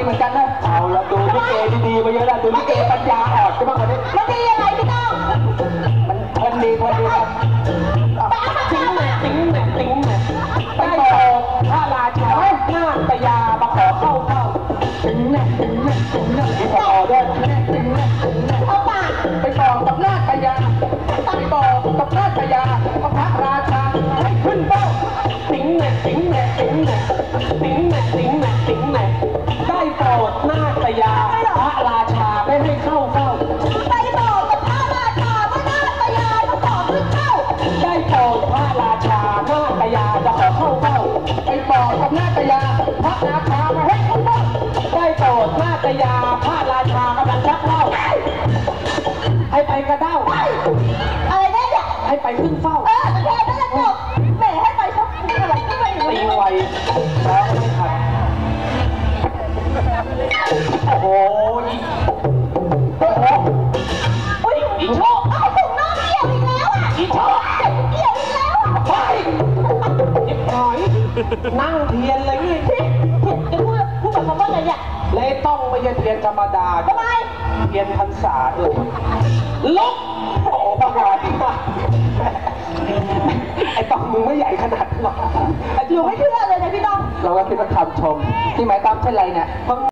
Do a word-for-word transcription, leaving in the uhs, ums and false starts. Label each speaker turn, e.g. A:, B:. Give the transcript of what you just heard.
A: เหมือนกันนะเอาละดูลิเกดีๆมาเยอะแล้วดูลิเกปัญญาอ่อนใช่ไหมคนนี้
B: มันดียังไงพี่ต้อง
A: มันคนดีคนดีครับติ้งแหม่ติ้งแหม่ติ้งแหม่ได้โตพระราชาหน้าตยามาขอเข้าเข้าติ้งแหม่ติ้งแหม่ติ้งแหม่มีขอด้วยติ้งแหม่ติ้งแหม่เอาปากไปบอกกับหน้าตยาไปบอกกับหน้าตยาว่าพระราชาให้ขึ้นเป้าติ้งแหม่ติ้งแหม่ติ้งแหม่ติ้งแหม่ติ้งแหม่ติ้งแหม่ได้โปรดหน้าตยาพระราชาไม่ให้เข้าเฝ้า
B: ไปบอกกับพระราชาว่าหน้าตยาจะขอขึ้นเข้า
A: ได้โปรดพระราชาหน้าตยาจะขอเข้าเฝ้าไปบอกกับหน้าตยาพระราชาไม่ให้เข้าเฝ้าได้โปรดหน้าตยาพระราชากำลังชักเล่าให้ไปกระเด้า
B: อะไรเนี่ย
A: ให้ไปขึ้นเฝ้า
B: เออแค่นั้นแหละจบแหมให้ไปชกอะไรก็ไม่รู้
A: ตีไวแล้วไม่ทันโอ้โหโอ้โหอุ้ยอีโชค
B: เอาถุงน้องเกี่ยวอีกแล้วอ่ะ
A: อีโชค
B: เกี่ยวอีกแล้วอ่ะ
A: ไปยิบหอยนั่งเทียนเลยนี่
B: จะพูดพูดแบบคำว่าอะไรเนี่ย
A: เลยต้องไม่ใช่เทียนธรรมดา
B: ทำไม
A: เทียนพรรษาด้วยลุกโอ้ประหลาดมากไอ้ต้องมึงไม่ใหญ่ขนาดหรอก
B: อยู่ไม่เชื่อเลยนะพี่ต้อง
A: เราก็คิดว่าคำชมที่หมายตามเช่นไรเนี่ย